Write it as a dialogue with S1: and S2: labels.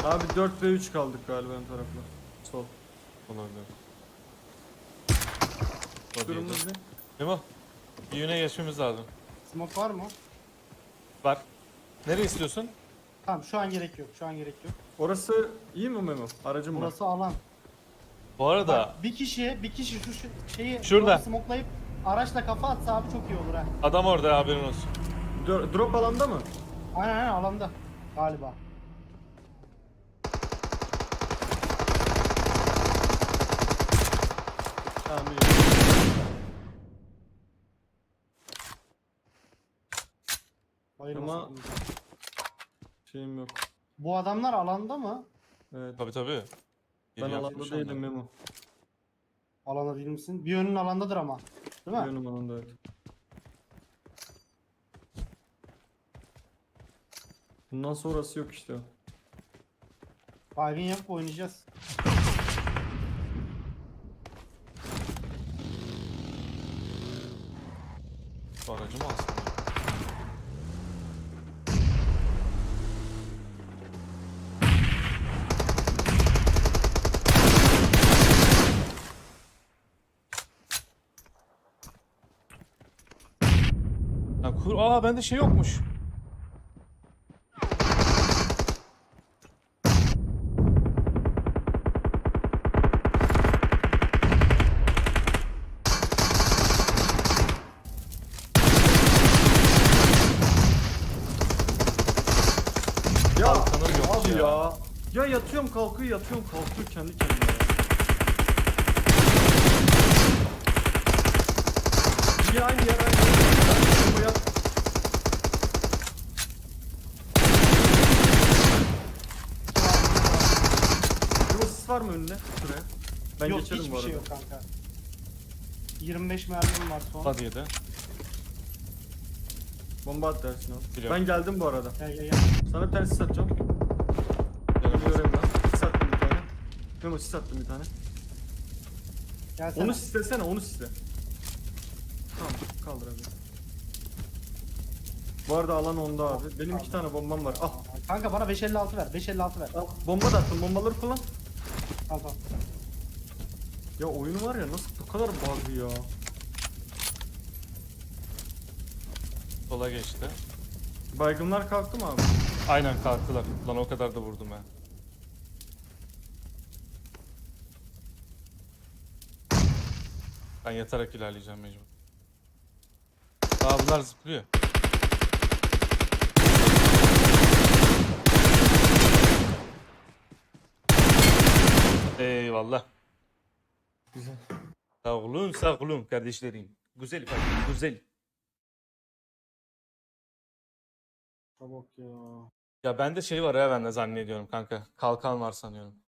S1: Abi 4 ve 3 kaldık galiba ön tarafla. Sol.
S2: Olabilir.
S1: Durumumuz ne?
S2: Memo. Bir yöne geçmemiz lazım.
S3: Smoke var mı?
S2: Var. Nereye istiyorsun?
S3: Tamam şu an gerek yok. Şu an gerek yok.
S1: Orası iyi mi Memo? Aracım var.
S3: Burası alan.
S2: Bu arada
S3: Bak bir kişi şu şeyi
S2: Şurada.
S3: drop'u smokelayıp araçla kafa atsa abi çok iyi olur ha.
S2: adam orada, haberin olsun.
S1: Drop alanda mı?
S3: Aynen alanda galiba.
S1: Tamam iyi.
S3: Bayılmasın.
S1: Ama- Şeyim yok.
S3: Bu adamlar alanda mı?
S1: Evet.
S2: Tabii.
S1: Ben
S2: Geri
S1: alanda
S2: yapmış
S1: değilim
S2: onlar.
S1: Memo.
S3: Alanda değil misin? Bir yönün alandadır ama. Değil mi?
S1: Yönüm alanda evet. Bundan sonrası yok işte.
S3: Baygın yapıp oynayacağız.
S2: Şu aracı mı alsın? Aa, bende şey yokmuş.
S1: Ya
S2: Kalkanım yok
S1: abi
S2: ya.
S1: ya. Ya yatıyorum kalkıyor yatıyorum kalkıyor kendi kendine. Ya aynı yer aynı yer. Bu yat. Bu sis var mı önüne? Şuraya. Ben
S3: Yok
S1: geçerim bu
S3: hiçbir
S1: arada.
S3: şey yok kanka. 25 mermim var son.
S2: Hadi yedi.
S1: Bomba at dersin abi.
S2: Biliyorum.
S1: Ben geldim bu arada.
S3: Gel.
S1: Sana bir tane sis atacağım.
S2: Yanım
S1: Bunu göreyim ben. Sis attım bir tane. Memo sis attım bir tane.
S3: Gelsene.
S1: Onu sislesene onu sisle. Tamam kaldır abi. Bu arada alan onda abi. Benim 2 tane bombam var. Al.
S3: Kanka bana 556 ver. 556 ver.
S1: Al. Bomba da attım. Bombaları kullan.
S3: Al tamam.
S1: Ya oyunu var ya nasıl bu kadar bug'ı ya.
S2: sola geçti.
S1: Baygınlar kalktı mı abi?
S2: Aynen kalktılar. Lan o kadar da vurdum ha. Ben yatarak ilerleyeceğim mecbur. Aa, bunlar zıplıyor. Eyvallah.
S1: Güzel.
S2: Sağ olun kardeşlerim. Güzel ifade, güzel.
S3: Çabuk ya.
S2: Ya bende şey var ya, ben de zannediyorum kanka. Kalkan var sanıyorum.